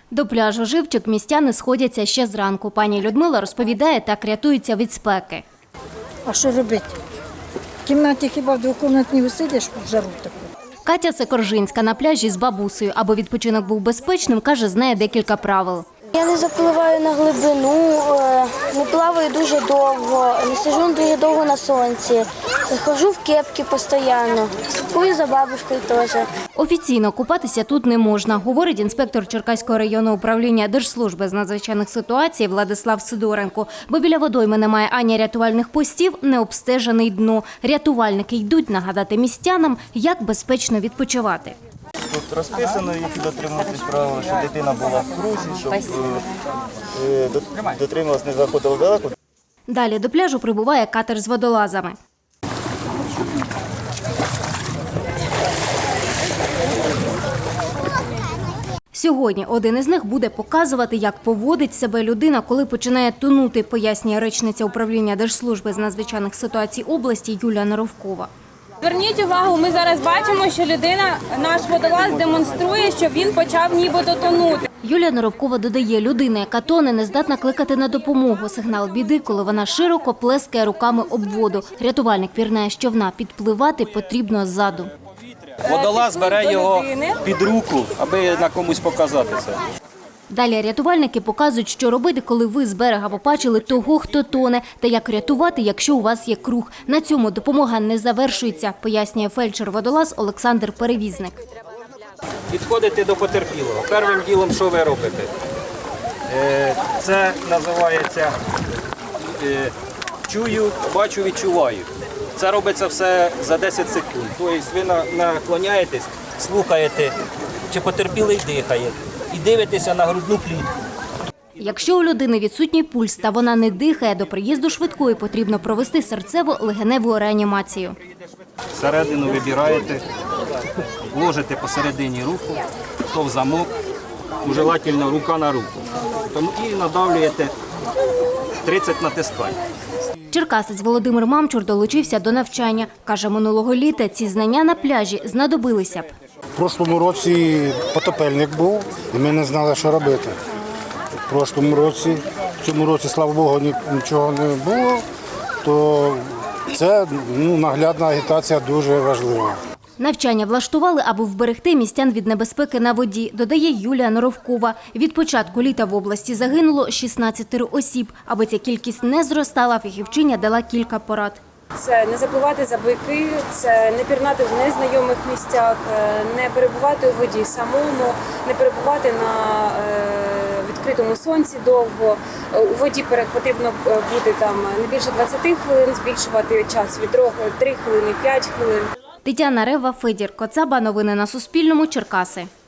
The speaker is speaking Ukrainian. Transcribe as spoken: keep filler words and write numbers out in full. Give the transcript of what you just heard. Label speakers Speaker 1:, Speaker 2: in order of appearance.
Speaker 1: До пляжу Живчик містяни сходяться ще зранку. Пані Людмила розповідає, так рятуються від спеки.
Speaker 2: А що робити? В кімнаті хіба в двокімнатній висидиш в жару таку?
Speaker 1: Катя Секоржинська на пляжі з бабусею. Аби відпочинок був безпечним, каже, знає декілька правил.
Speaker 3: Я не запливаю на глибину, не плаваю дуже довго, не сиджу дуже довго на сонці, ходжу в кепки постійно, слідкую за бабушкою теж.
Speaker 1: Офіційно купатися тут не можна, говорить інспектор Черкаського районного управління Держслужби з надзвичайних ситуацій Владислав Сидоренко. Бо біля водойми немає ані рятувальних постів, не обстежений дно. Рятувальники йдуть нагадати містянам, як безпечно відпочивати.
Speaker 4: Тут розписано, які дотримуватись правил, щоб дитина була в крузі, щоб е, дотримувалась, не заходила далеко.
Speaker 1: Далі до пляжу прибуває катер з водолазами. Сьогодні один із них буде показувати, як поводить себе людина, коли починає тонути, пояснює речниця управління Держслужби з надзвичайних ситуацій області Юлія Норовкова.
Speaker 5: Зверніть увагу, ми зараз бачимо, що людина, наш водолаз демонструє, що він почав нібито тонути.
Speaker 1: Юлія Норовкова додає, людина, яка тоне, не здатна кликати на допомогу. Сигнал біди, коли вона широко плескає руками об воду. Рятувальник пірнає з човна, підпливати потрібно ззаду.
Speaker 6: Водолаз бере його під руку, аби на комусь показати це.
Speaker 1: Далі рятувальники показують, що робити, коли ви з берега побачили того, хто тоне, та як рятувати, якщо у вас є круг. На цьому допомога не завершується, пояснює фельдшер-водолаз Олександр Перевізник.
Speaker 6: Підходите до потерпілого. Першим ділом, що ви робите? Це називається чую, бачу, відчуваю. Це робиться все за десять секунд. Тобто ви наклоняєтесь, слухаєте, чи потерпілий дихає. І дивитися на грудну клітку.
Speaker 1: Якщо у людини відсутній пульс та вона не дихає, до приїзду швидкої потрібно провести серцево-легеневу реанімацію.
Speaker 6: Середину вибираєте, ложите посередині руку, то в замок, желательно рука на руку. І надавлюєте тридцять натискань.
Speaker 1: Черкасець Володимир Мамчур долучився до навчання. Каже, минулого літа ці знання на пляжі знадобилися б.
Speaker 7: В прошлому році потопельник був, і ми не знали, що робити. В прошлому році, в цьому році, слава Богу, нічого не було, то це ну, наглядна агітація дуже важлива.
Speaker 1: Навчання влаштували, аби вберегти містян від небезпеки на воді, додає Юлія Норовкова. Від початку літа в області загинуло шістнадцять осіб. Аби ця кількість не зростала, фахівчиня дала кілька порад.
Speaker 5: Це не запливати за бойки, це не пірнати в незнайомих місцях, не перебувати у воді самому, не перебувати на відкритому сонці довго. У воді потрібно бути там не більше двадцяти хвилин, збільшувати час від три хвилини, п'ять хвилин.
Speaker 1: Тетяна Рева, Федір Коцаба. Новини на Суспільному. Черкаси.